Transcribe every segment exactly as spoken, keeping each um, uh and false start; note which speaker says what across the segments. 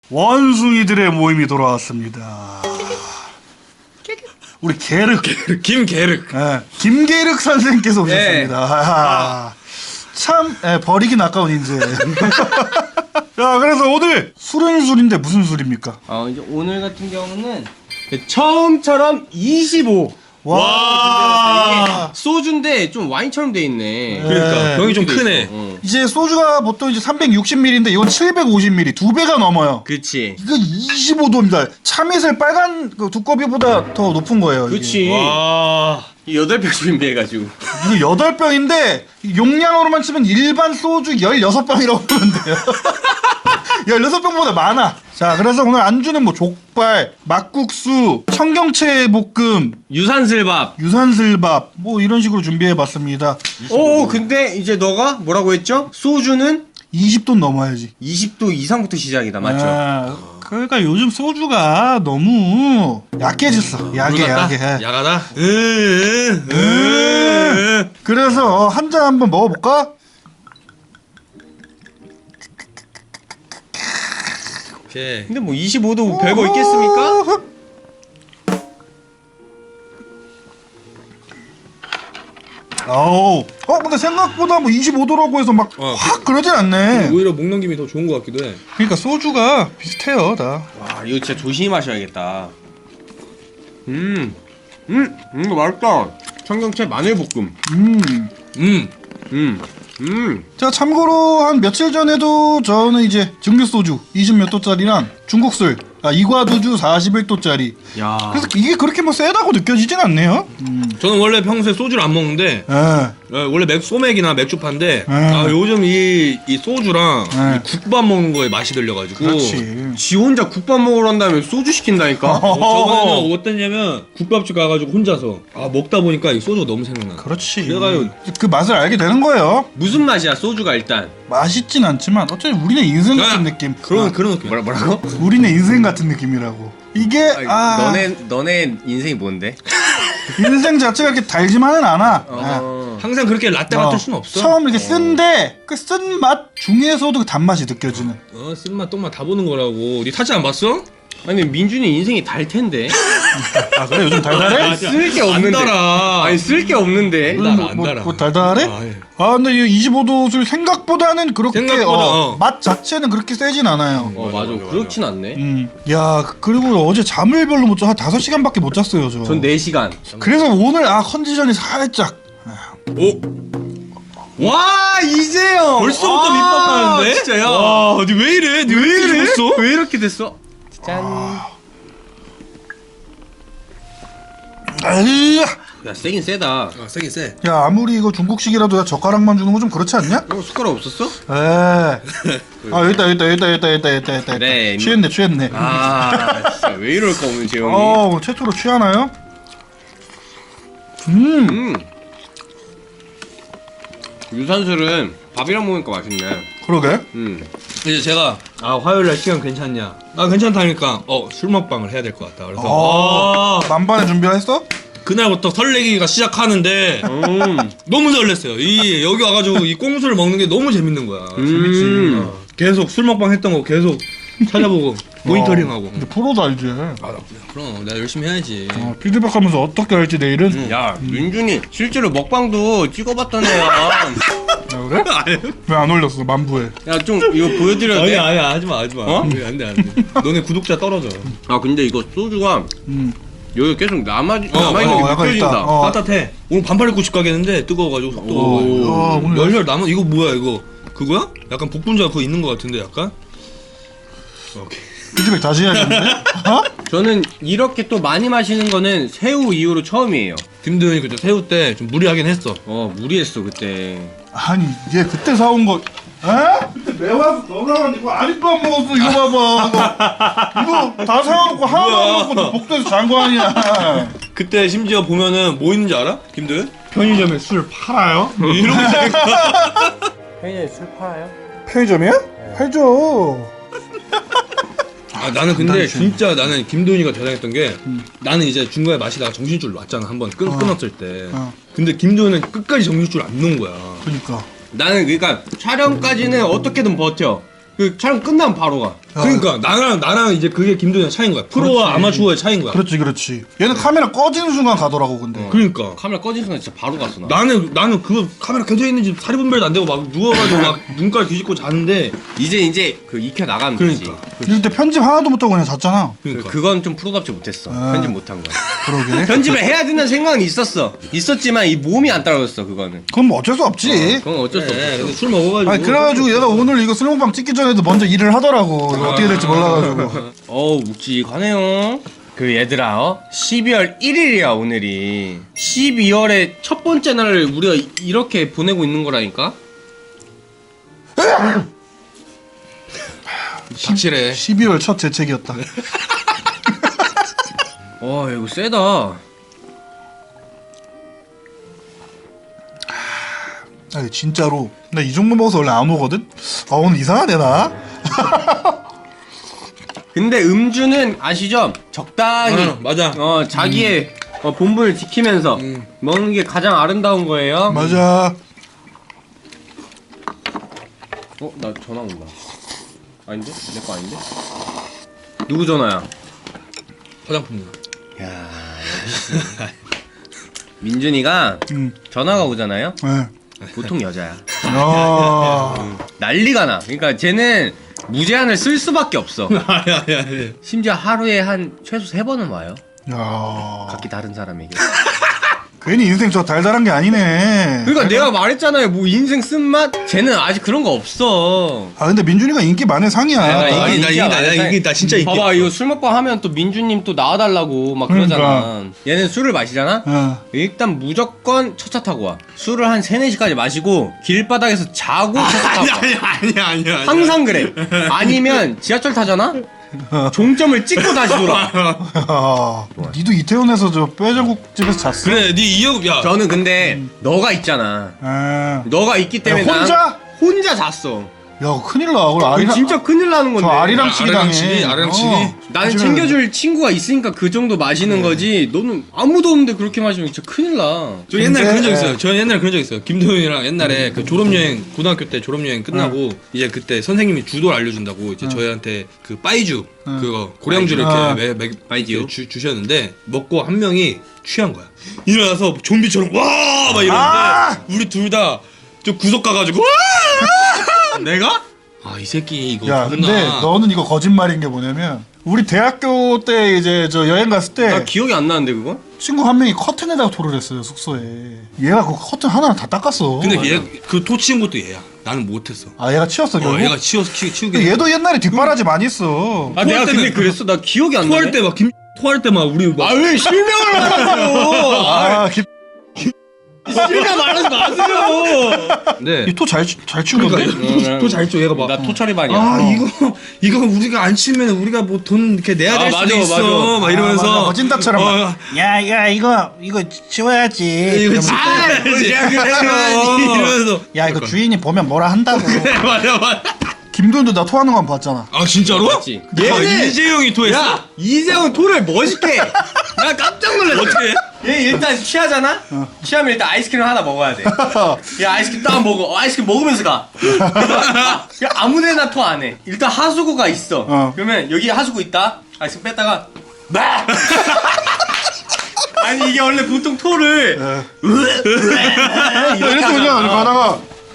Speaker 1: 원숭이들의 모임이 돌아왔습니다. 우리 게륵,
Speaker 2: 김게륵.
Speaker 1: 예, 김게륵 선생님께서 오셨습니다.
Speaker 2: 네.
Speaker 1: 아, 참 예, 버리긴 아까운 인재. 자, 그래서 오늘 술은 술인데 무슨 술입니까?
Speaker 3: 어 이제 오늘 같은 경우는 처음처럼 이십오.
Speaker 1: 와,
Speaker 3: 이게 소주인데 좀 와인처럼 돼 있네.
Speaker 2: 그러니까
Speaker 1: 네.
Speaker 2: 병이 좀
Speaker 3: 이렇게 돼
Speaker 2: 크네.
Speaker 3: 있어. 어.
Speaker 1: 이제 소주가 보통 이제 삼백육십 밀리리터인데 이건 칠백오십 밀리리터, 두 배가 넘어요.
Speaker 3: 그치.
Speaker 1: 이거 이십오 도입니다. 참이슬 빨간 그 두꺼비보다 더 높은 거예요. 이게.
Speaker 3: 그치.
Speaker 2: 와.
Speaker 3: 여덟 병 준비해가지고.
Speaker 1: 이거 여덟 병인데 용량으로만 치면 일반 소주 열여섯 병이라고 보면 돼요. 열여섯 병보다 많아. 자, 그래서 오늘 안주는 뭐 족발, 막국수, 청경채 볶음,
Speaker 3: 유산슬밥.
Speaker 1: 유산슬밥 뭐 이런 식으로 준비해봤습니다.
Speaker 3: 오 근데 이제 너가 뭐라고 했죠? 소주는
Speaker 1: 이십 도 넘어야지.
Speaker 3: 이십 도 이상부터 시작이다 맞죠?
Speaker 1: 아, 그러니까 요즘 소주가 너무 약해졌어. 약해, 약해.
Speaker 2: 야가다. 으, 으, 으.
Speaker 1: 그래서 한 잔 한번 먹어볼까?
Speaker 2: 오케이.
Speaker 3: 근데 뭐 이십오 도 별거 있겠습니까?
Speaker 1: 아우, 어 근데 생각보다 뭐 이십오 도라고 해서 막
Speaker 2: 어,
Speaker 1: 확 그러진 않네.
Speaker 2: 오히려 목 넘김이 더 좋은 것 같기도 해.
Speaker 1: 그러니까 소주가 비슷해요, 다.
Speaker 3: 와 이거 진짜 조심히 마셔야겠다. 음, 음, 음 이거 맛있다. 청경채 마늘볶음.
Speaker 1: 음.
Speaker 2: 음.
Speaker 3: 음, 음.
Speaker 1: 자, 참고로 한 며칠 전에도 저는 이제 증류 소주 이십 몇 도짜리랑 중국술 아, 이과도주 사십일 도짜리.
Speaker 3: 야.
Speaker 1: 그래서 이게 그렇게 뭐 세다고 느껴지진 않네요. 음.
Speaker 2: 저는 원래 평소에 소주를 안 먹는데
Speaker 1: 예.
Speaker 2: 어, 원래 맥 소맥이나 맥주파인데
Speaker 1: 음.
Speaker 2: 아 요즘 이, 이 소주랑
Speaker 1: 음.
Speaker 2: 이 국밥 먹는 거에 맛이 들려가지고
Speaker 1: 그렇지.
Speaker 3: 지 혼자 국밥 먹으러 한다면 소주 시킨다니까?
Speaker 2: 어, 저번에는 어땠냐면 국밥집 가가지고 혼자서 아 먹다 보니까 이 소주가 너무 생각나.
Speaker 1: 그렇지.
Speaker 2: 그래가지고
Speaker 1: 그 맛을 알게 되는 거예요.
Speaker 3: 무슨 맛이야 소주가 일단?
Speaker 1: 맛있진 않지만 어차피 우리네 인생 같은
Speaker 2: 아,
Speaker 1: 느낌.
Speaker 2: 그런
Speaker 1: 아,
Speaker 2: 그런 느낌.
Speaker 3: 뭐라 뭐라고?
Speaker 1: 우리네 인생 같은 느낌이라고. 이게
Speaker 3: 아니,
Speaker 1: 아,
Speaker 3: 너네 너네 인생이 뭔데?
Speaker 1: 인생 자체가 이렇게 달지만은 않아. 아.
Speaker 3: 어.
Speaker 2: 항상 그렇게 라떼
Speaker 1: 어,
Speaker 2: 맡을 수는 없어.
Speaker 1: 처음 이렇게 쓴데 그 쓴 맛 중에서도 그 단맛이 느껴지는.
Speaker 2: 어 쓴맛 똥맛 다 보는 거라고. 니 타지 안 봤어?
Speaker 3: 아니 민준이 인생이 달 텐데.
Speaker 1: 아 그래 요즘 달달해?
Speaker 3: 쓸 게 없는데.
Speaker 2: 안 달아.
Speaker 3: 아니 쓸 게 없는데.
Speaker 2: 달아,
Speaker 1: 뭐,
Speaker 2: 안
Speaker 1: 뭐,
Speaker 2: 달아.
Speaker 1: 뭐 달달해?
Speaker 2: 아, 예.
Speaker 1: 아 근데 이 이십오 도 술 생각보다는 그렇게
Speaker 2: 생각보다,
Speaker 1: 어,
Speaker 2: 어.
Speaker 1: 맛 자체는 그렇게 세진 않아요.
Speaker 3: 어 맞아, 그렇진 않네.
Speaker 1: 음. 야 그리고 어제 잠을 별로 못 자. 한 다섯 시간밖에 못 잤어요 저.
Speaker 3: 전 네 시간.
Speaker 1: 그래서 오늘 아 컨디션이 살짝
Speaker 2: 오
Speaker 3: 와 이재영.
Speaker 2: 벌써부터
Speaker 3: 아,
Speaker 2: 밑밥하는데?
Speaker 3: 진짜야.
Speaker 2: 와, 니 왜 이래? 니 왜 이렇게 죽었어?
Speaker 3: 왜 이렇게 됐어? 짠.
Speaker 1: 아이야.
Speaker 3: 야 세긴 세다.
Speaker 2: 아, 세긴 세.
Speaker 1: 야 아무리 이거 중국식이라도 야 젓가락만 주는 거 좀 그렇지 않냐?
Speaker 3: 어 숟가락 없었어?
Speaker 1: 에. 아 여기 있다 여기 있다 여기 있다 여기 있다 여기 있다 여기 있다, 여기 있다.
Speaker 3: 네,
Speaker 1: 취했네 취했네.
Speaker 3: 아 진짜 왜 이럴까 오늘 재영이.
Speaker 1: 어 최초로 취하나요? 음.
Speaker 3: 음. 유산슬은 밥이랑 먹으니까 맛있네.
Speaker 1: 그러게.
Speaker 3: 음.
Speaker 2: 이제 제가 아 화요일날 시간 괜찮냐? 아 괜찮다니까 어 술 먹방을 해야 될 것 같다. 그래서
Speaker 1: 어.
Speaker 2: 아,
Speaker 1: 만반의 준비를 했어?
Speaker 2: 그날부터 설레기가 시작하는데
Speaker 3: 음.
Speaker 2: 너무 설렜어요. 이 여기 와가지고 이 꽁수를 먹는 게 너무 재밌는 거야.
Speaker 3: 재밌지.
Speaker 2: 어, 계속 술 먹방 했던 거 계속 찾아보고 모니터링하고.
Speaker 1: 이제 프로다 이제.
Speaker 2: 아, 나, 그럼 내가 열심히 해야지.
Speaker 1: 어, 피드백하면서 어떻게 할지 내일은.
Speaker 3: 야 민준이 실제로 먹방도 찍어봤던 애야.
Speaker 1: 야, 그래? 왜 안 올렸어 만부에?
Speaker 3: 야 좀 이거 보여드려도
Speaker 2: 아니
Speaker 3: 돼?
Speaker 2: 아니 하지마 하지마.
Speaker 3: 어?
Speaker 2: 안돼 안돼 안돼. 너네 구독자 떨어져.
Speaker 3: 아 근데 이거 소주가
Speaker 1: 음.
Speaker 3: 여기 계속 남아
Speaker 2: 어,
Speaker 3: 남아있는
Speaker 1: 어,
Speaker 3: 게
Speaker 1: 약간
Speaker 3: 느껴진다.
Speaker 1: 있다. 어.
Speaker 2: 따뜻해. 오늘 반팔 입고 집 가겠는데 뜨거워가지고 속
Speaker 1: 오,
Speaker 2: 뜨거워.
Speaker 1: 야, 오늘
Speaker 2: 열혈 남은 이거 뭐야 이거? 그거야? 약간 복분자 그거 있는 거 같은데 약간? 오케이.
Speaker 1: 피드백 다시 해야겠는데? 어?
Speaker 3: 저는 이렇게 또 많이 마시는 거는 새우 이후로 처음이에요.
Speaker 2: 김도현이 그때 새우 때 좀 무리하긴 했어.
Speaker 3: 어 무리했어 그때.
Speaker 1: 아니 얘 그때 사온 거. 에? 그때 매워서 너가 이거 아직도 안 먹었어 이거 봐봐. 이거, 이거 다 사와놓고 하나도 안 먹고 복도에서 잔 거 아니야.
Speaker 2: 그때 심지어 보면은 뭐 있는지 알아? 김도현?
Speaker 1: 편의점에 술 팔아요?
Speaker 2: 이러고 있으니까.
Speaker 3: 편의점에 술 팔아요?
Speaker 1: 편의점이야? 팔죠.
Speaker 2: 아 나는 근데
Speaker 1: 단단히
Speaker 2: 진짜 나는 김도현이가 대단했던 게 나는 이제 중간에 마시다가 정신줄 놨잖아 한번 끊,
Speaker 1: 어.
Speaker 2: 끊었을 때.
Speaker 1: 어.
Speaker 2: 근데 김도현은 끝까지 정신줄 안 놓은 거야.
Speaker 1: 그러니까.
Speaker 3: 나는 그러니까 촬영까지는 어떻게든 버텨. 그 촬영 끝나면 바로 가.
Speaker 2: 그러니까 나랑 나랑 이제 그게 김도현 차이인 거야. 프로와 아마추어의 차이인 거야.
Speaker 1: 그렇지 그렇지. 얘는 카메라 꺼지는 순간 가더라고 근데.
Speaker 2: 그러니까
Speaker 3: 카메라 꺼진 순간 진짜 바로 갔어 나.
Speaker 2: 나는 나는 그거 카메라 켜져 있는지 사리 분별도 안 되고 막 누워가지고 막 눈깔 뒤집고 자는데
Speaker 3: 이제 이제 그 익혀 나가면
Speaker 2: 그러니까
Speaker 3: 되지.
Speaker 1: 이럴 때 편집 하나도 못하고 그냥 잤잖아.
Speaker 2: 그러니까
Speaker 3: 그, 그건 좀 프로답지 못했어.
Speaker 1: 아.
Speaker 3: 편집 못한 거.
Speaker 1: 그러게.
Speaker 3: 편집을 해야 된다는 생각은 있었어. 있었지만 이 몸이 안 따라줬어 그거는.
Speaker 1: 그건 뭐 어쩔 수 없지.
Speaker 3: 그건 어쩔 수 없어.
Speaker 2: 네, 근데 술 먹어가지고
Speaker 1: 아니 그래가지고 얘가 오늘 이거 술먹방 찍기 전에도 먼저 일을 하더라고. 이거 어떻게 될지 몰라가지고.
Speaker 3: 어우 묵직하네요. 그 얘들아 어? 십이월 일일이야 오늘이. 십이월의 첫 번째 날을 우리가 이- 이렇게 보내고 있는 거라니까.
Speaker 2: 확실해.
Speaker 1: 십이월 첫 재채기였다.
Speaker 3: 와 이거 세다.
Speaker 1: 아니 진짜로 나 이 정도 먹어서 원래 안 오거든? 아 오늘 이상하네 나?
Speaker 3: 근데 음주는 아시죠? 적당히
Speaker 2: 어, 맞아.
Speaker 3: 어 자기의 어, 본분을 지키면서
Speaker 2: 음.
Speaker 3: 먹는 게 가장 아름다운 거예요.
Speaker 1: 맞아.
Speaker 3: 어? 나 전화 온다. 아닌데? 내 거 아닌데? 누구 전화야?
Speaker 2: 화장품.
Speaker 3: 야 민준이가
Speaker 1: 응.
Speaker 3: 전화가 오잖아요?
Speaker 1: 네.
Speaker 3: 보통 여자야.
Speaker 1: 아.
Speaker 3: 난리가 나. 그러니까 쟤는 무제한을 쓸 수밖에 없어.
Speaker 2: 아야 아야.
Speaker 3: 심지어 하루에 한 최소 세 번은 와요.
Speaker 1: 야.
Speaker 3: 각기 다른 사람에게.
Speaker 1: 괜히 인생 저 달달한 게 아니네.
Speaker 3: 그러니까 내가 말했잖아요. 뭐 인생 쓴맛? 쟤는 아직 그런 거 없어.
Speaker 1: 아 근데 민준이가 인기 많은 상이야.
Speaker 3: 내가
Speaker 2: 아,
Speaker 3: 인기-
Speaker 2: 나
Speaker 3: 인기야,
Speaker 2: 이기 나
Speaker 3: 많은
Speaker 2: 이기 나 진짜 이기.
Speaker 3: 봐봐 이거 술 먹방 하면 또 민준님 또 나와달라고 막 그러잖아. 얘는 술을 마시잖아?
Speaker 1: 어.
Speaker 3: 일단 무조건 첫 차 타고 와. 술을 한 세네 시까지 마시고 길바닥에서 자고 첫 차 타고 와.
Speaker 2: 아니야 아니야 아니야.
Speaker 3: 항상 그래. 아니면 지하철 타잖아? 종점을 찍고 다시 돌아.
Speaker 1: 야. 니도 이태원에서 저 뼈저국 집에서 잤어?
Speaker 2: 그래 네 이억 야.
Speaker 3: 저는 근데 너가 있잖아.
Speaker 1: 아.
Speaker 3: 너가 있기 때문에
Speaker 1: 야, 혼자?
Speaker 3: 난 혼자 잤어.
Speaker 1: 야 큰일 나. 그걸
Speaker 3: 그럼
Speaker 1: 아리랑
Speaker 3: 진짜 큰일 나는 건데.
Speaker 1: 저 아리랑 치기
Speaker 2: 아리랑
Speaker 1: 당해.
Speaker 2: 치기, 아리랑 치기.
Speaker 3: 나는
Speaker 1: 요즘에는-
Speaker 3: 챙겨줄 친구가 있으니까 그 정도 마시는 거지. 너는 아무도 없는데 그렇게 마시면 진짜 큰일 나.
Speaker 2: 저 옛날에
Speaker 1: 근데-
Speaker 2: 그런 적 있어요. 저 옛날에 그런 적 있어요. 김도현이랑 옛날에 그 졸업여행 고등학교 때 졸업여행 끝나고 이제 그때 선생님이 주도를 알려준다고 이제 저희한테 그 빠이주 그거 고량주를
Speaker 1: 빠이주. 아.
Speaker 2: 이렇게 매, 매,
Speaker 3: 빠이주.
Speaker 2: 주, 주셨는데 먹고 한 명이 취한 거야. 일어나서 좀비처럼 와 막 이러는데
Speaker 1: 아!
Speaker 2: 우리 둘 다 좀 구석 가가지고 와 내가 아 이 새끼 이거
Speaker 1: 야
Speaker 2: 존나
Speaker 1: 근데 너는 이거 거짓말인 게 뭐냐면 우리 대학교 때 이제 저 여행 갔을 때
Speaker 3: 나 기억이 안 나는데 그거?
Speaker 1: 친구 한 명이 커튼에다가 토를 했어요 숙소에. 얘가 그 커튼 하나를 다 닦았어.
Speaker 2: 근데 얘 그 토 치운 것도 얘야. 나는 못했어.
Speaker 1: 아 얘가 치웠어
Speaker 2: 어,
Speaker 1: 결국?
Speaker 2: 얘가 치워서 치, 치우게.
Speaker 1: 근데 얘도 옛날에 뒷바라지 많이 했어.
Speaker 3: 아 내가
Speaker 2: 토할
Speaker 3: 근데
Speaker 2: 때는-
Speaker 3: 그랬어? 나 기억이 안 나네.
Speaker 2: 토할 때 막 김 토할 때 막 우리 막
Speaker 3: 아 왜 실명을 말하세요?
Speaker 1: 아, 기...
Speaker 3: 실명 말하지 마세요.
Speaker 2: 네.
Speaker 1: 이토잘 잘 치운 건데?
Speaker 2: 그러니까 토잘 줘 얘가 막.
Speaker 3: 나 토처리반이야.
Speaker 2: 아 이거 이거 우리가 안 치면 우리가 뭐 돈 이렇게 내야 될
Speaker 3: 아,
Speaker 2: 수도
Speaker 3: 맞아,
Speaker 2: 있어
Speaker 3: 맞아.
Speaker 2: 막
Speaker 1: 아,
Speaker 2: 이러면서
Speaker 1: 맞아. 거진다처럼 막.
Speaker 2: 어,
Speaker 1: 야, 야, 이거 이거 치워야지.
Speaker 2: 이거
Speaker 1: 그러면-
Speaker 2: 아
Speaker 3: 그래요.
Speaker 2: 이러면서
Speaker 1: 야, 이거 주인이 보면 뭐라 한다고.
Speaker 2: 맞아 맞아.
Speaker 1: 김도현도 나 토하는 거 한 번 봤잖아.
Speaker 2: 아 진짜로?
Speaker 3: 맞지.
Speaker 2: 얘는
Speaker 3: 얘는-
Speaker 2: 이재용이 토했어?
Speaker 3: 야 이재훈 토를 멋있게. 해. 나 깜짝 놀랐어.
Speaker 2: 어떻게?
Speaker 3: 얘 일단 취하잖아? 취하면 일단 아이스크림 하나 먹어야 돼. 야 아이스크림 딱 먹어. 어, 아이스크림 먹으면서 가. 야, 아무데나 토 안 해. 일단 하수구가 있어.
Speaker 1: 어.
Speaker 3: 그러면 여기 하수구 있다. 아이스크림 뺐다가 막. 아니 이게 원래 보통 토를
Speaker 1: 이렇게 그냥 가다가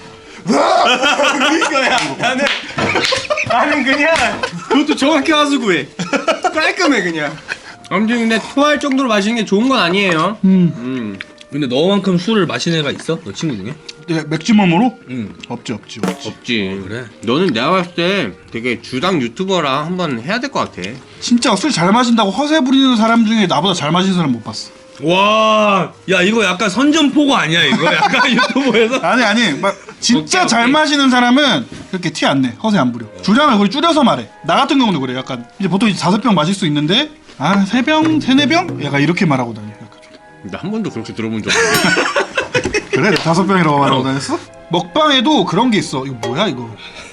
Speaker 3: 이거야. 나는 나는 그냥 그것도 정확히 하수구해. 깔끔해 그냥. 아무튼 근데 토할 정도로 마시는 게 좋은 건 아니에요.
Speaker 1: 음.
Speaker 3: 음.
Speaker 2: 근데 너만큼 술을 마시는 애가 있어? 너 친구 중에?
Speaker 1: 네, 맥주멈으로?
Speaker 2: 응.
Speaker 1: 없지, 없지, 없지.
Speaker 3: 없지.
Speaker 2: 그래.
Speaker 3: 너는 내가 봤을 때 되게 주당 유튜버랑 한번 해야 될 것 같아.
Speaker 1: 진짜 술 잘 마신다고 허세 부리는 사람 중에 나보다 잘 마시는 사람 못 봤어.
Speaker 2: 와, 야 이거 약간 선전포고 아니야 이거? 약간 유튜브에서?
Speaker 1: 아니 아니, 막 진짜
Speaker 3: 오케이,
Speaker 1: 잘
Speaker 3: 오케이.
Speaker 1: 마시는 사람은 그렇게 티 안 내, 허세 안 부려. 주량을 거의 줄여서 말해. 나 같은 경우는 그래. 약간 이제 보통 이제 다섯 병 마실 수 있는데 아 세 병, 세네 병? 약간 이렇게 말하고 다녀. 약간 좀.
Speaker 3: 나 한 번도 그렇게 들어본 적 없는데.
Speaker 1: 그래? 다섯 병이라고 말하고 다녔어? 먹방에도 그런 게 있어. 이거 뭐야 이거?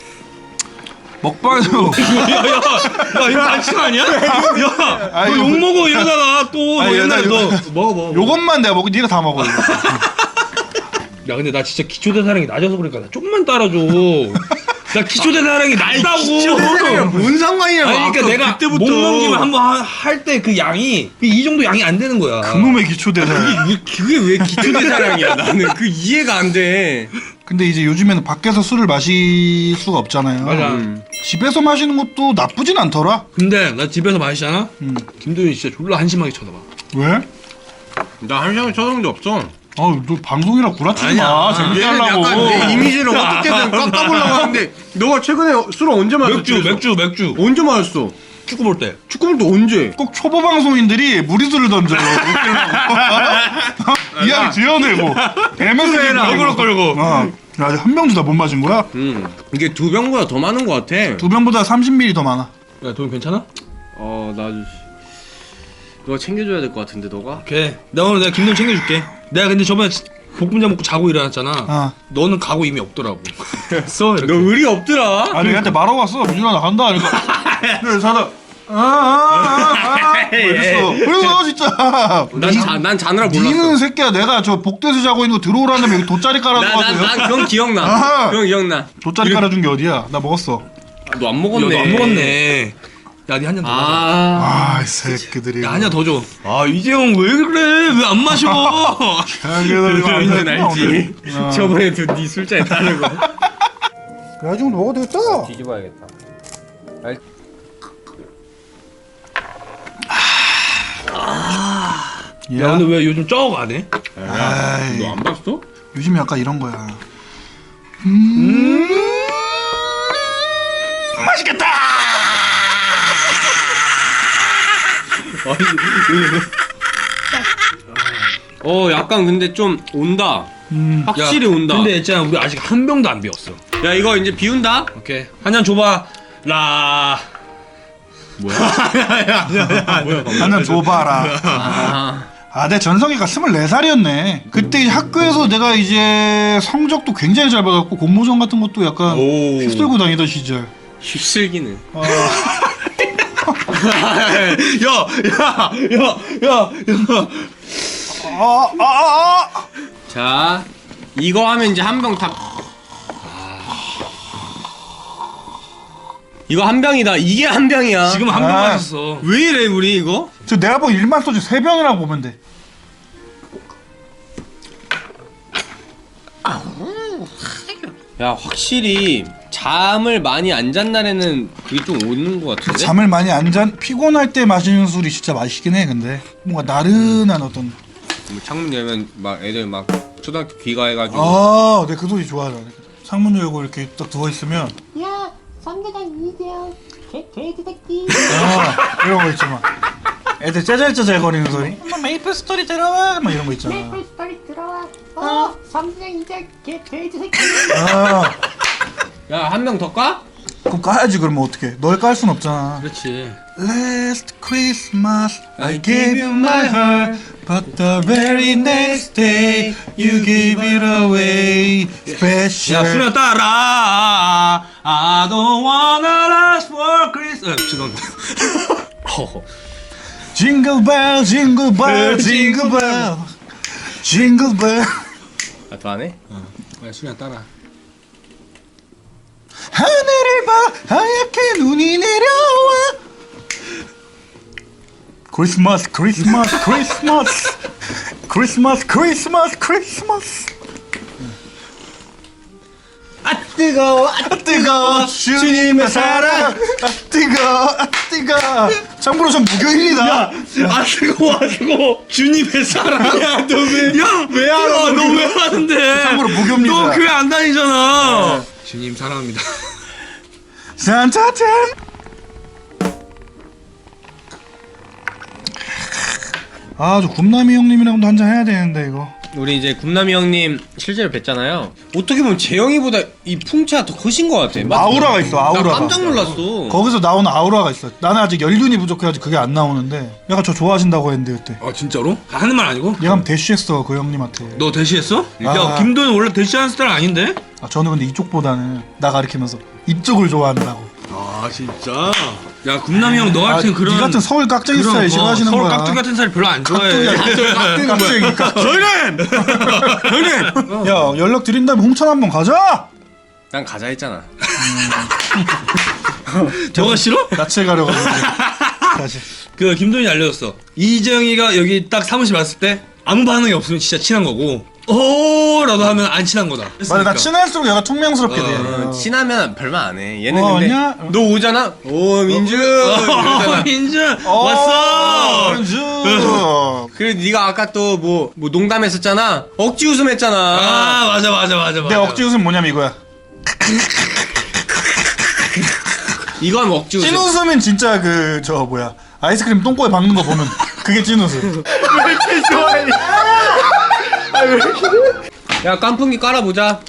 Speaker 1: 먹방에도
Speaker 2: 야 이거 반칙 아니야? 야,
Speaker 1: 아니,
Speaker 2: 너
Speaker 1: 이거-
Speaker 2: 욕 먹어 이러다가 또
Speaker 1: 아니,
Speaker 2: 너 옛날에
Speaker 1: 나
Speaker 2: 너
Speaker 1: 이거-
Speaker 2: 먹어 먹어.
Speaker 1: 요것만 내가 먹고 네가 다 먹어. 이거.
Speaker 2: 야 근데 나 진짜 기초대사량이 낮아서 그러니까 나 좀만 따라줘. 나 기초대사량이 낮다고.
Speaker 3: 뭔 상관이야?
Speaker 2: 아니 그러니까 내가
Speaker 3: 그때부터.
Speaker 2: 목넘김을 한번 할 때 그 양이 이 정도 양이 안 되는 거야.
Speaker 1: 그놈의 기초대사.
Speaker 3: 왜- 그게 왜 기초대사량이야? 나는 그 이해가 안 돼.
Speaker 1: 근데 이제 요즘에는 밖에서 술을 마실 수가 없잖아요.
Speaker 2: 맞아.
Speaker 3: 음.
Speaker 1: 집에서 마시는 것도 나쁘진 않더라.
Speaker 2: 근데 나 집에서 마시잖아.
Speaker 1: 음.
Speaker 2: 김도윤이 진짜 졸라 한심하게 쳐다봐.
Speaker 1: 왜?
Speaker 3: 나 한 시간에 쳐다본 적 없어.
Speaker 1: 아너 방송이라 구라치지
Speaker 2: 아니야.
Speaker 1: 마. 재밌게
Speaker 3: 얘는
Speaker 1: 하려고.
Speaker 3: 약간 내 이미지를 어떻게든 깎아보려고 하는데 너가 최근에 술 언제 마셨어?
Speaker 2: 맥주 맥주 맥주.
Speaker 3: 언제 마셨어?
Speaker 2: 축구 볼 때.
Speaker 3: 축구볼 때 언제?
Speaker 1: 꼭 초보 방송인들이 무리수를 던져요. 웃기려고. 이야기 지어내고. 대면서
Speaker 2: 얼굴 끌고.
Speaker 1: 어. 아직 한 병도 다 못 마신 거야?
Speaker 3: 음 이게 두 병보다 더 많은 것 같아.
Speaker 1: 두 병보다 삼십 밀리리터 더 많아.
Speaker 2: 야 도윤 괜찮아?
Speaker 3: 어나 너가 챙겨줘야 될 것 같은데 너가?
Speaker 2: 오케이. 내가 오늘 내가 김도윤 챙겨줄게. 내가 근데 저번에 볶음자 먹고 자고 일어났잖아.
Speaker 1: 어.
Speaker 2: 너는 가고 이미 없더라고. 써 이렇게.
Speaker 3: 너 의리 없더라.
Speaker 1: 아니 얘한테 말하고 왔어. 민준아 나 간다. 그러니까 그래 자다. 아아아아 이랬어. 그래서 진짜.
Speaker 3: 난, 자, 난 자느라 몰랐어.
Speaker 1: 니는 새끼야 내가 저 복도에서 자고 있는 거 들어오라는데 여기 돗자리 깔아주고
Speaker 3: 난, 난, 난 그건 기억나.
Speaker 1: 아하.
Speaker 3: 그건 기억나.
Speaker 1: 돗자리 깔아준 게 어디야? 나 먹었어.
Speaker 3: 너 안
Speaker 2: 야,
Speaker 3: 먹었네.
Speaker 2: 너안 먹었네. 야, 니 한 잔 더. 마셔.
Speaker 3: 아.
Speaker 1: 아, 이 새끼들이.
Speaker 2: 야, 한 잔 더 줘. 아, 이재용 왜 그래? 왜 안 마셔?
Speaker 1: 자기들 이거 안
Speaker 3: 민준
Speaker 1: 되겠구나,
Speaker 3: 알지?
Speaker 1: 오늘. 어.
Speaker 3: 저번에도 네 술자리 따는 거.
Speaker 1: 그래가지고 먹어도 되겠다.
Speaker 3: 뒤집어야겠다.
Speaker 2: 야, 근데 왜 요즘 쩍 안 해?
Speaker 1: 아이,
Speaker 3: 너 안 봤어?
Speaker 1: 요즘 약간 이런 거야. 음, 맛있겠다.
Speaker 3: 어 약간 근데 좀 온다.
Speaker 1: 음,
Speaker 3: 확실히
Speaker 2: 야,
Speaker 3: 온다.
Speaker 2: 근데 있잖아, 우리 아직 한 병도 안 비웠어.
Speaker 3: 야 이거 이제 비운다?
Speaker 2: 오케이. 한 잔 줘봐. 라.
Speaker 3: 뭐야?
Speaker 1: 한잔 줘봐라.
Speaker 3: 아.
Speaker 1: 아, 내 전성기가 스물네 살이었네. 그때 학교에서 내가 이제 성적도 굉장히 잘 받았고 공모전 같은 것도 약간
Speaker 2: 오.
Speaker 1: 휩쓸고 다니던 시절.
Speaker 3: 휩쓸기는.
Speaker 1: 어,
Speaker 2: 야, 야, 야, 야, 야.
Speaker 1: 아, 아, 아, 아.
Speaker 3: 자 이거 하면 이제 한 병 다. 이거 한 병이다. 이게 한 병이야.
Speaker 2: 지금 한 병
Speaker 1: 아.
Speaker 2: 마셨어.
Speaker 3: 왜 이래 우리 이거?
Speaker 1: 저 내가 본 일반 소주 세 병이라고 보면 돼.
Speaker 3: 야 확실히 잠을 많이 안 잔 날에는 그게 좀 오는 것 같은데?
Speaker 1: 잠을 많이 안 잔, 피곤할 때 마시는 술이 진짜 맛있긴 해. 근데 뭔가 나른한 어떤.
Speaker 3: 뭐 창문 열면 막 애들 막 초등학교 귀가해가지고
Speaker 1: 아, 내가 그 소리 좋아하잖아. 창문 열고 이렇게 딱 누워 있으면
Speaker 4: 야, 삼대장 이재영, 개, 개지 새끼.
Speaker 1: 아, 이런 거 있잖아. 애들 짜잘짜잘 거리는 소리. 엄마 메이플 스토리 들어와. 막 이런 거 있잖아.
Speaker 4: 메이플 스토리 들어와. 어, 삼대장 이재영, 개, 개지 새끼.
Speaker 1: 아,
Speaker 3: 야 한 명 더 까?
Speaker 1: 그럼 까야지. 그러면 어떡해? 널 깔 순 없잖아.
Speaker 2: 그렇지.
Speaker 1: Last Christmas I gave you my heart, but the very next day you gave it away. Special.
Speaker 2: 야, 수련 따라. I don't wanna last for Christmas. 아, 죄송합니다.
Speaker 1: Jingle bell, jingle bell, jingle bell, jingle bell.
Speaker 3: 아 더 하네?
Speaker 2: 야, 수련 따라.
Speaker 1: 하늘을 봐, 하얗게 눈이 내려와. 크리스마스, 크리스마스, 크리스마스, 크리스마스, 크리스마스, 크리스마스.
Speaker 3: 아 뜨거워 아
Speaker 1: 아 뜨거워 주님의 사랑. 아 뜨거워, 아 뜨거워. 참고로 전 무교인이다.
Speaker 2: 아 뜨거워, 아 뜨거워. 주님의 사랑. 야, 너 왜? 야, 왜 알아? 너 왜 하는데?
Speaker 1: 참고로 무교입니다.
Speaker 2: 너 교회 안 다니잖아. 주님 사랑합니다.
Speaker 1: 산타템. 아, 저 굽남이 형님이랑도 한잔 해야 되는데 이거.
Speaker 3: 우리 이제 굽남이 형님 실제로 뵀잖아요. 어떻게 보면 재영이보다 이 풍채가 더 크신 것 같아. 맞-
Speaker 1: 아우라가 있어, 아우라가.
Speaker 3: 나 깜짝 놀랐어.
Speaker 1: 거기서 나오는 아우라가 있어. 나는 아직 연륜이 부족해가지고 그게 안 나오는데. 약간 저 좋아하신다고 했는데 그때.
Speaker 2: 아 진짜로? 하는 말 아니고?
Speaker 1: 얘가 한번 대쉬했어 그 형님한테.
Speaker 2: 너 대시했어?
Speaker 1: 아.
Speaker 2: 야, 김도현 원래 대시하는 스타일 아닌데?
Speaker 1: 아, 저는 근데 이쪽보다는 나 가리키면서 이쪽을 좋아한다고.
Speaker 2: 아 진짜? 야, 굽남이 형 너 같은
Speaker 1: 아,
Speaker 2: 그런
Speaker 1: 니 같은 서울 깍쟁이
Speaker 2: 그런
Speaker 1: 스타일
Speaker 2: 거,
Speaker 1: 싫어하시는
Speaker 2: 서울
Speaker 1: 거야.
Speaker 2: 깍두기 같은 스타일 별로 안 좋아해.
Speaker 1: 깍두기야. 깍쟁이 깍쟁이.
Speaker 2: 형님! 형님!
Speaker 1: 야, 연락 드린 다음에 홍천 한번 가자.
Speaker 3: 난 가자 했잖아.
Speaker 2: 저거 싫어?
Speaker 1: 낯을 가려가지고 다시.
Speaker 2: 그 김도현이 알려줬어. 이정희가 여기 딱 사무실 왔을 때 아무 반응이 없으면 진짜 친한 거고 오라도 하면 안 친한 거다.
Speaker 1: 맞아, 나 친할수록 얘가 퉁명스럽게 돼.
Speaker 3: 어, 친하면 별말 안 해. 얘는
Speaker 1: 어,
Speaker 3: 근데
Speaker 1: 아니야?
Speaker 3: 너 오잖아. 오 민주. 이러잖아.
Speaker 2: 민준
Speaker 1: 어,
Speaker 2: 왔어.
Speaker 1: 민주.
Speaker 3: 그리고 네가 아까 또 뭐 뭐 농담했었잖아. 억지 웃음했잖아.
Speaker 2: 아 맞아 맞아 맞아 맞아.
Speaker 1: 내 억지 웃음 뭐냐면 이거야.
Speaker 3: 이거 하면 억지 웃음.
Speaker 1: 찐 웃음은 진짜 그 저 뭐야 아이스크림 똥꼬에 박는 거 보면 그게 찐 웃음.
Speaker 3: 야 깐풍기 깔아보자.
Speaker 1: 야,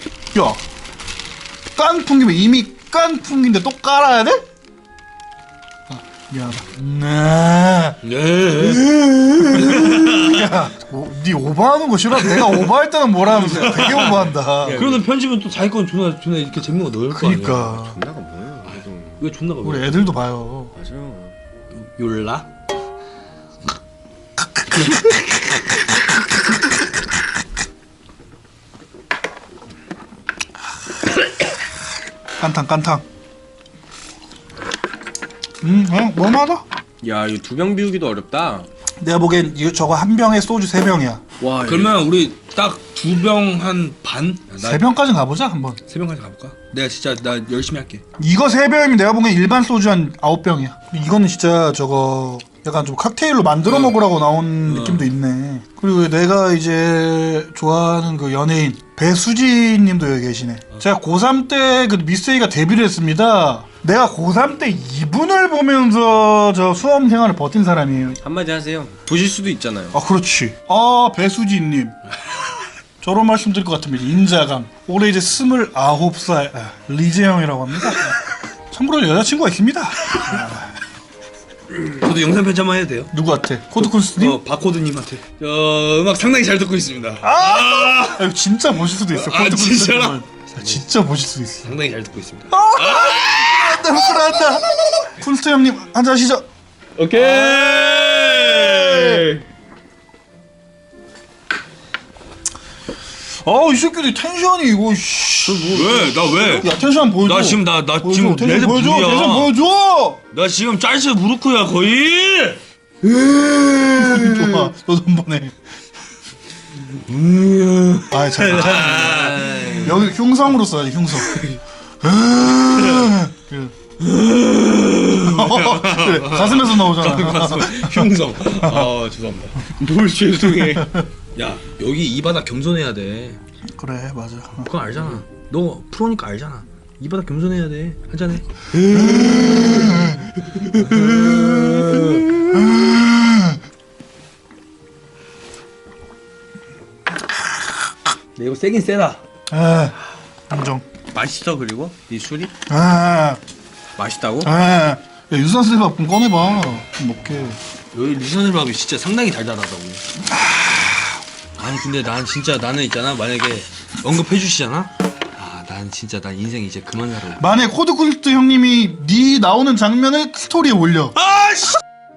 Speaker 1: 깐풍기면 이미 깐풍기인데 또 깔아야 돼? 아, 미안하다. 네.
Speaker 2: 네.
Speaker 1: 야, 오, 네 오버하는 거 싫어? 내가 오버할 때는 뭐라 하면서 되게 오버한다.
Speaker 2: 그러면 편집은 또 자기 건 존나 존나 이렇게 재밌는 거 넣을 거 아니야.
Speaker 1: 그니까
Speaker 3: 존나가 뭐야? 그래도
Speaker 2: 왜 존나가
Speaker 1: 우리
Speaker 2: 왜?
Speaker 1: 애들도 봐요.
Speaker 3: 맞아.
Speaker 2: 욜라?
Speaker 1: 깐탕 깐탕. 음, 그냥 뭐마다?
Speaker 3: 야 이거 두 병 비우기도 어렵다.
Speaker 1: 내가 보기엔 이거 저거 한 병에 소주 세 병이야.
Speaker 3: 와
Speaker 2: 그러면 우리 딱 두 병 한 반?
Speaker 1: 세 병까지 가보자 한번.
Speaker 2: 세 병까지 가볼까? 내가 진짜 나 열심히 할게.
Speaker 1: 이거 세 병이면 내가 보기엔 일반 소주 한 아홉 병이야. 이거는 진짜 저거 약간 좀 칵테일로 만들어 먹으라고 나온 느낌도 있네. 그리고 내가 이제 좋아하는 그 연예인 배수진 님도 여기 계시네. 제가 고삼 때 그 미스에이가 데뷔를 했습니다. 내가 고삼 때 이분을 보면서 저 수험 생활을 버틴 사람이에요.
Speaker 3: 한마디 하세요. 보실 수도 있잖아요.
Speaker 1: 아, 그렇지. 아, 배수진 님. 저런 말씀 드릴 것 같으면 인자감. 올해 이제 스물아홉 살 아, 리재영이라고 합니다. 참고로 여자친구가 있습니다.
Speaker 2: 저도 영상 편집 한번 해도 돼요?
Speaker 1: 누구한테? 코드쿤스님?
Speaker 2: 어 바코드님한테. 저 음악 상당히 잘 듣고 있습니다.
Speaker 1: 아! 이거 진짜 보실 수도 있어.
Speaker 2: 아, 진짜로?
Speaker 1: 코드쿤스님. 진짜 보실 수도 있어.
Speaker 2: 상당히 잘 듣고 있습니다.
Speaker 1: 나 부끄러웠다. 쿤스트 형님 한잔 하시죠.
Speaker 2: 오케이.
Speaker 1: 아, 이 새끼들 텐션이 이거 씨.
Speaker 2: 왜? 나 왜?
Speaker 1: 야, 텐션 보여줘.
Speaker 2: 나 지금 나 나
Speaker 1: 보여줘.
Speaker 2: 지금
Speaker 1: 텐션
Speaker 2: 레드
Speaker 1: 보여줘.
Speaker 2: 불이야.
Speaker 1: 텐션 보여줘.
Speaker 2: 나 지금 짤스 무르크야 거의.
Speaker 1: 좋아. 너도 한 번 해. 아, 잘. 잘. 여기 흉성으로 써야지, 흉성. 그래. 그래, 가슴에서 나오잖아.
Speaker 2: 흉성. 아 죄송합니다. 뭘 죄송해. 야 여기 이 바닥 겸손해야 돼.
Speaker 1: 그래, 맞아.
Speaker 2: 그거 알잖아. 너 프로니까 알잖아. 이 바닥 겸손해야 돼. 한잔해. 내 이거 세긴 세다.
Speaker 1: 아, 인정.
Speaker 3: 맛있어 그리고 이 술이
Speaker 1: 아,
Speaker 3: 맛있다고?
Speaker 1: 아. 야, 유산슬밥 좀 꺼내봐. 좀 먹게.
Speaker 2: 여기 리선을밥이 진짜 상당히 달달하다고. 아니 근데 난 진짜 나는 있잖아 만약에 언급해 주시잖아. 아 난 진짜 난 인생 이제 그만 살아.
Speaker 1: 만약에 코드쿤스트 형님이 네 나오는 장면을 스토리에 올려.
Speaker 2: 아씨.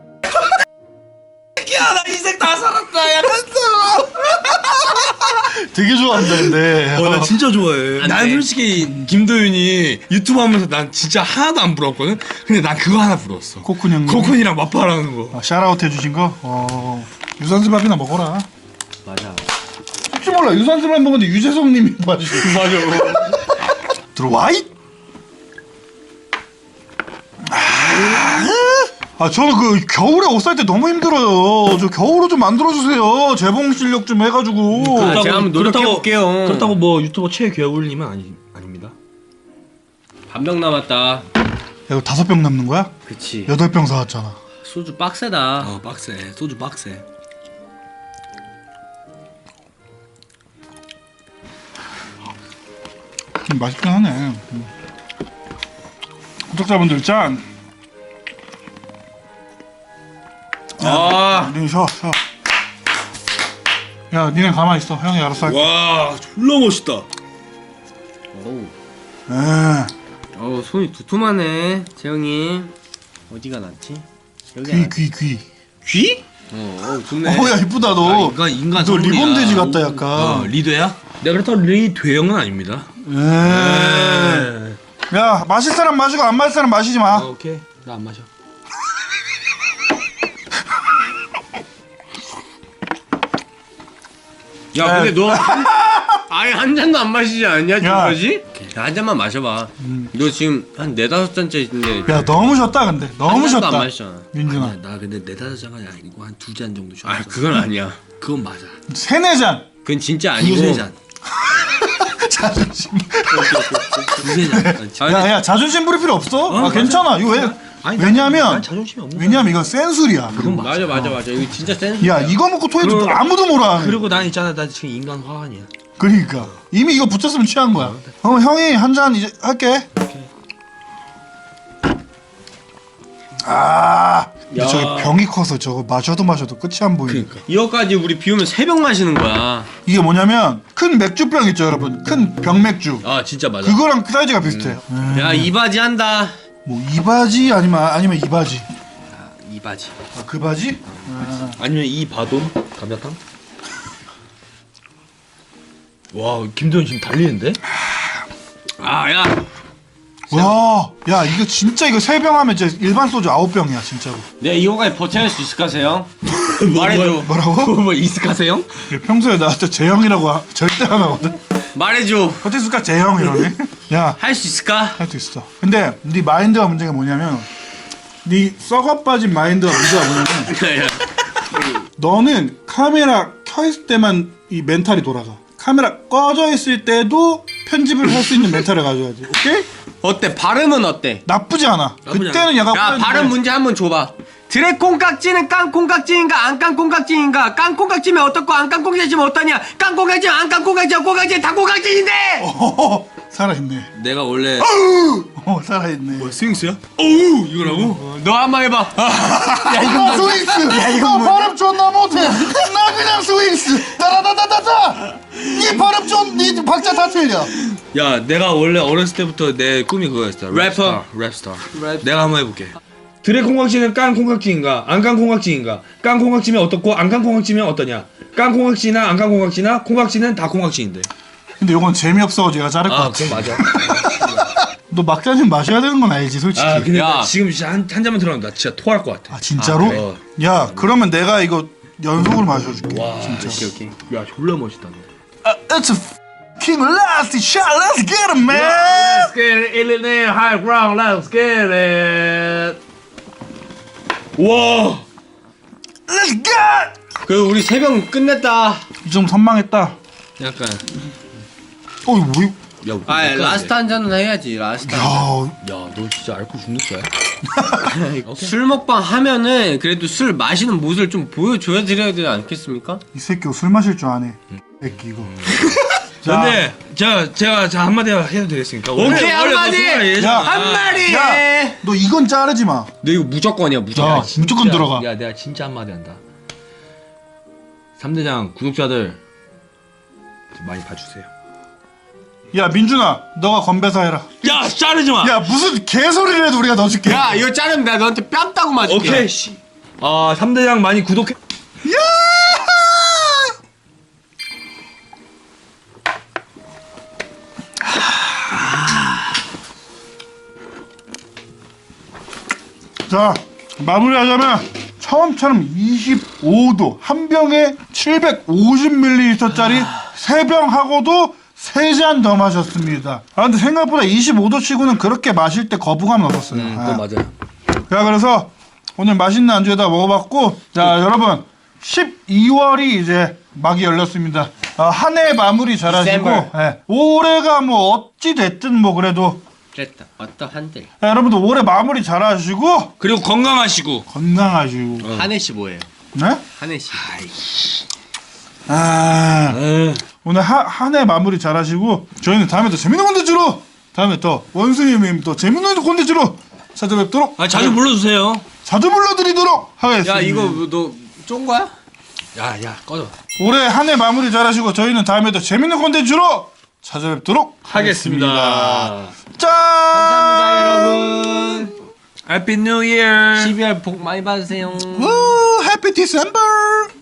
Speaker 2: 야 나 인생 다 살았다. 야 갔어.
Speaker 1: 되게 좋아한다, 근데.
Speaker 2: 어, 나 진짜 좋아해.
Speaker 3: 안
Speaker 2: 난
Speaker 3: 돼.
Speaker 2: 솔직히 김도윤이 유튜브 하면서 난 진짜 하나도 안 부러웠거든. 근데 난 그거 하나 부러웠어.
Speaker 1: 코쿤 형님.
Speaker 2: 코쿤이랑 맞바라는 거.
Speaker 1: 아, 샤라웃 해주신 거? 어. 유산슬밥이나 먹어라.
Speaker 3: 맞아.
Speaker 1: 혹시 몰라, 유산슬밥 먹었는데 유재석님이 봐주시고.
Speaker 3: 맞아.
Speaker 1: 들어와, 이! 아, 저는 그 겨울에 옷 살 때 너무 힘들어요. 저 겨울옷 좀 만들어주세요. 재봉 실력 좀 해가지고.
Speaker 3: 아, 제가 한번 노력해볼게요.
Speaker 2: 그렇다고 뭐 유튜버 최겨울님은 아니 아닙니다.
Speaker 3: 반병 남았다.
Speaker 1: 야, 이거 다섯 병 남는 거야?
Speaker 3: 그치.
Speaker 1: 여덟 병 사왔잖아.
Speaker 3: 소주 빡세다.
Speaker 2: 어 빡세. 소주 빡세.
Speaker 1: 음, 맛있긴 하네. 음. 구독자분들 짠.
Speaker 3: 아.
Speaker 1: 니네 쉬어, 쉬어. 야, 니네 가만히 있어. 형이 알아서 할게.
Speaker 2: 와 졸라 멋있다.
Speaker 3: 어우.
Speaker 1: 에,
Speaker 3: 어우 손이 두툼하네. 재영이. 어디가 낫지? 여기
Speaker 1: 귀, 귀, 귀.
Speaker 2: 귀?
Speaker 3: 어, 어 좋네.
Speaker 1: 어, 야, 이쁘다, 너.
Speaker 2: 인간 인간
Speaker 1: 너
Speaker 2: 선물이야.
Speaker 1: 리본 돼지 같다,
Speaker 2: 어,
Speaker 1: 약간.
Speaker 2: 리드야? 내가 그렇다고 리드형은 아닙니다.
Speaker 1: 에. 야 마실 사람 마시고 안 마실 사람 마시지 마.
Speaker 2: 어, 오케이. 나 안 마셔.
Speaker 3: 야 근데 너 한, 아예 한 잔도 안 마시지 않냐 지금까지? 한 잔만 마셔봐. 너 지금 한 네다섯 잔째인데
Speaker 1: 야 너무 졌다 근데 너무
Speaker 3: 한 잔도
Speaker 1: 졌다.
Speaker 3: 안 마시잖아.
Speaker 1: 민준아
Speaker 2: 야, 나 근데 네다섯 잔이 아니고 한 두 잔 정도
Speaker 3: 아
Speaker 2: 쉬었어.
Speaker 3: 그건 아니야.
Speaker 2: 그건 맞아.
Speaker 1: 세네 잔.
Speaker 3: 그건 진짜 아니고.
Speaker 2: 두세 잔.
Speaker 1: 자존심.
Speaker 2: 두세 잔.
Speaker 3: 아니,
Speaker 1: 야야 자존심 부릴 필요 없어. 아
Speaker 2: 맞아.
Speaker 1: 괜찮아. 이거 왜?
Speaker 2: 아니,
Speaker 1: 왜냐면
Speaker 2: 난 자존심이 없는
Speaker 1: 왜냐면 이건 센 술이야.
Speaker 3: 맞아 맞아 맞아. 이거 진짜 센.
Speaker 1: 야 이거 먹고 토해도
Speaker 2: 그리고-
Speaker 1: 아무도 몰라.
Speaker 2: 그리고 난 있잖아, 나 지금 인간 화환이야.
Speaker 1: 그러니까 이미 이거 붙였으면 취한 거야. 그럼 형이 한 잔 이제 할게. 아, 근데
Speaker 3: 야.
Speaker 1: 저기 병이 커서 저거 마셔도 마셔도 끝이 안 보이네.
Speaker 2: 그러니까.
Speaker 3: 이거까지 우리 비우면 세 병 마시는 거야.
Speaker 1: 이게 뭐냐면 큰 맥주병 있죠, 여러분. 큰 병맥주.
Speaker 2: 아 진짜 맞아.
Speaker 1: 그거랑 사이즈가 비슷해요. 음.
Speaker 3: 야 이바지 한다.
Speaker 1: 뭐 이 바지 아니면 아니면 이 바지.
Speaker 3: 이바지.
Speaker 1: 아, 그 바지?
Speaker 2: 아니면 이 바돈 감자탕? 와 김도현 지금 달리는데?
Speaker 3: 아 야.
Speaker 1: 와, 야 이거 진짜 이거 세 병 하면 이제 일반 소주 아홉 병이야 진짜로.
Speaker 3: 내가 이거까지 버텨낼 수 있을까 세영? 말해줘.
Speaker 1: 뭐라고?
Speaker 2: 뭐 이스카세요?
Speaker 1: 평소에 나한테 재형이라고 하- 절대 안 하거든.
Speaker 3: 말해줘.
Speaker 1: 어땠을까 재형 이러네. 야,
Speaker 3: 할 수 있을까?
Speaker 1: 할 수 있어. 근데 네 마인드가 문제가 뭐냐면 네 썩어 빠진 마인드가 문제가 뭐냐면
Speaker 3: 야,
Speaker 1: 너는 카메라 켜 있을 때만 이 멘탈이 돌아가. 카메라 꺼져 있을 때도 편집을 할 수 있는 멘탈을 가져야지. 오케이?
Speaker 3: 어때? 발음은 어때?
Speaker 1: 나쁘지 않아.
Speaker 2: 나쁘지
Speaker 1: 그때는 약간
Speaker 3: 야
Speaker 1: 꼬였는데.
Speaker 3: 발음 문제 한번 줘봐. 드래콩깍지는 깡콩깍지인가 안 깡콩깍지인가? 깡콩깍지면 어떻고 안 깡콩깍지면 어떠냐? 깡콩깍지면 안 깡콩깍지면 콩깍지는 다 콩깍지인데!
Speaker 1: 어허허, 살아있네.
Speaker 2: 내가 원래
Speaker 1: 어 살아있네.
Speaker 2: 스윙스야? 어우 이거라고?
Speaker 3: 너 한번 해봐.
Speaker 1: 야 이거 스윙스. 야 이거 발음 존나 못해. 나 그냥 스윙스. 따라다다다다. 이 발음 좀네 박자 다 틀려.
Speaker 2: 야 내가 원래 어렸을 때부터 내 꿈이 그거였어.
Speaker 3: 래퍼.
Speaker 2: 랩스타.
Speaker 3: 랩.
Speaker 2: 내가 한번 해볼게. 드래콩깍지는 깡콩깍지인가 안 깡콩깍지인가? 깡콩깍지면 어떻고 안 깡콩깍지면 어떠냐? 깡콩깍지나 안 깡콩깍지나 콩깍지는 다 콩깍지인데.
Speaker 1: 근데 이건 재미없어 제가 자를 것
Speaker 2: 아
Speaker 1: 같아.
Speaker 2: 그건 맞아.
Speaker 1: 너 막잔 마셔야 되는 건 알지 솔직히.
Speaker 2: 아 근데
Speaker 3: 야.
Speaker 2: 나 지금 진짜 한, 한 잔만 들어가면 나 진짜 토할 것 같아.
Speaker 1: 아 진짜로?
Speaker 2: 아, 그래?
Speaker 1: 야 그러면 내가 이거 연속으로 마셔줄게.
Speaker 2: 와
Speaker 1: 진짜.
Speaker 3: 오케이 오케이.
Speaker 2: 야 졸라 멋있다 너.
Speaker 1: 아, it's a fucking last shot. Let's get it, man.
Speaker 2: Let's get it in the high ground. Let's get it. 와.
Speaker 1: Let's get.
Speaker 3: 그 우리 세 병 끝냈다.
Speaker 1: 좀 선망했다.
Speaker 2: 약간.
Speaker 1: 어 이거 뭐?
Speaker 2: 야,
Speaker 3: 아
Speaker 2: 약간
Speaker 3: 라스트 한 잔은 해야지 라스트. 한 잔.
Speaker 1: 야,
Speaker 2: 야, 너 진짜 알코올 중독자야?
Speaker 3: 술 먹방 하면은 그래도 술 마시는 모습을 좀 보여줘야 드려야 되지 않겠습니까?
Speaker 1: 이 새끼 술 마실 줄 아네. 새끼 이거. 자,
Speaker 2: 근데 제가 제가 자 한마디 해도 되겠습니까?
Speaker 3: 오케이,
Speaker 2: 원래- 원래 너
Speaker 3: 한마디!
Speaker 2: 소개가
Speaker 1: 야,
Speaker 2: 예잖아.
Speaker 3: 한 마리.
Speaker 1: 야, 너 이건 자르지 마.
Speaker 3: 너 이거 무조건이야 무조건.
Speaker 1: 야, 무조건
Speaker 2: 진짜-
Speaker 1: 들어가.
Speaker 2: 야, 내가 진짜 한마디 한다. 삼대장 구독자들 좀 많이 봐주세요.
Speaker 1: 야, 민준아, 너가 건배사 해라.
Speaker 2: 야, 자르지 마.
Speaker 1: 야, 무슨 개소리를 해도 우리가 넣어줄게.
Speaker 3: 야 이거 자르면 내가 너한테 뺨 따고 맞을게.
Speaker 2: 오케이. 씨. 아, 삼대장 많이 구독해.
Speaker 1: 야! 자, 마무리하자면 처음처럼 이십오 도 한 병에 칠백오십 밀리리터짜리 세 병 하고도 세 잔 더 마셨습니다. 아 근데 생각보다 이십오 도 치고는 그렇게 마실 때 거부감은 없었어요.
Speaker 2: 음,
Speaker 1: 아.
Speaker 2: 그거 맞아요.
Speaker 1: 자 그래서 오늘 맛있는 안주에다 먹어봤고 자 여러분 십이월이 이제 막이 열렸습니다. 어, 한 해 마무리 잘하시고
Speaker 3: December.
Speaker 1: 예, 올해가 뭐 어찌 됐든 뭐 그래도
Speaker 3: 됐다. 어떠한데?
Speaker 1: 야, 여러분들 올해 마무리 잘하시고
Speaker 2: 그리고 건강하시고.
Speaker 1: 건강하시고
Speaker 3: 한 해씩 뭐예요?
Speaker 1: 네?
Speaker 3: 한 해씩.
Speaker 1: 아
Speaker 2: 에.
Speaker 1: 오늘 한 해 마무리 잘하시고 저희는 다음에 또 재밌는 콘텐츠로 다음에 또 원수님님 또 재밌는 콘텐츠로 찾아뵙도록
Speaker 2: 아, 자주 불러주세요.
Speaker 1: 자주 불러드리도록 하겠습니다.
Speaker 3: 야 이거 너 쫀 거야?
Speaker 2: 야, 야, 꺼져.
Speaker 1: 올해 한 해 마무리 잘하시고 저희는 다음에 또 재밌는 콘텐츠로 찾아뵙도록
Speaker 2: 하겠습니다.
Speaker 1: 짠!
Speaker 3: 감사합니다 여러분.
Speaker 2: Happy New Year.
Speaker 3: 십이월 복 많이 받으세요.
Speaker 1: 우 해피 디셈버!